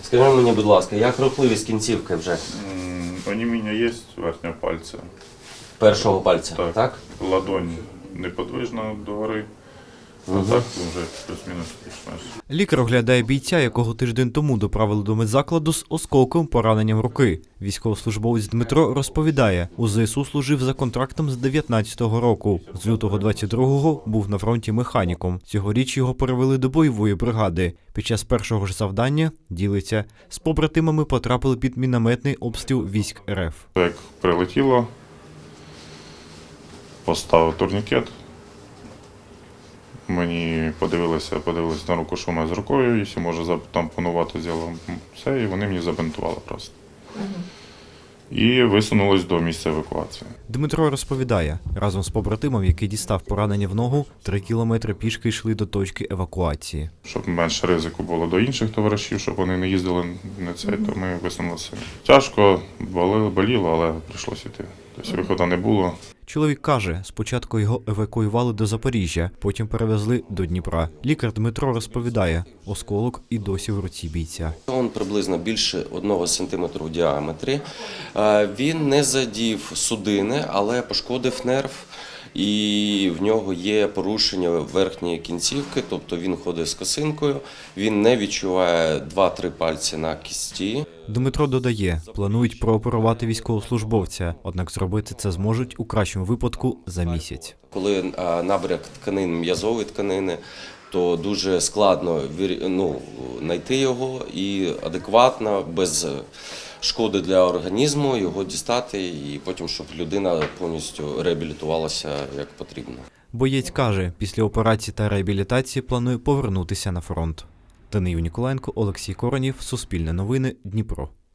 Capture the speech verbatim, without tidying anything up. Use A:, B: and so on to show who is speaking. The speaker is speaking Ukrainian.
A: Скажи мені, будь ласка, як рухливість кінцівки вже?
B: М, Оніміння є верхнього пальця.
A: Першого пальця, так?
B: Так. Ладонь неподвижна догори.
A: Угу.
B: А так вже плюс-мінус більш-менш.
C: Лікар оглядає бійця, якого тиждень тому доправили до медзакладу з осколковим пораненням руки. Військовослужбовець Дмитро розповідає, у ЗСУ служив за контрактом з дев'ятнадцятого року. З лютого двадцять другого був на фронті механіком. Цьогоріч його перевели до бойової бригади. Під час першого ж завдання, ділиться, з побратимами потрапили під мінометний обстріл військ РФ.
B: Як прилетіло, поставив турнікет. Мені подивилися, подивилися на руку, що в мене з рукою, якщо може затампонувати зіло все, і вони мені забинтували просто. І висунулись до місця евакуації.
C: Дмитро розповідає, разом з побратимом, який дістав поранення в ногу, три кілометри пішки йшли до точки евакуації.
B: Щоб менше ризику було до інших товаришів, щоб вони не їздили на цей, то ми висунулися. Тяжко, боліло, боліло, але прийшлося йти. Тобто виходу не було.
C: Чоловік каже, спочатку його евакуювали до Запоріжжя, потім перевезли до Дніпра. Лікар Дмитро розповідає, осколок і досі в руці бійця.
A: Він приблизно більше одного сантиметру в діаметрі. Е, Він не задів судини, але пошкодив нерв. І в нього є порушення верхньої кінцівки, тобто він ходить з косинкою, він не відчуває два-три пальці на кісті.
C: Дмитро додає, планують прооперувати військовослужбовця, однак зробити це зможуть у кращому випадку за місяць.
A: Коли е, набряк тканин, м'язової тканини, то дуже складно ну, знайти його і адекватно, без шкоди для організму його дістати і потім, щоб людина повністю реабілітувалася як потрібно.
C: Боєць каже, після операції та реабілітації планує повернутися на фронт. Даниїл Ніколаєнко, Олексій Коронів, Суспільне новини, Дніпро.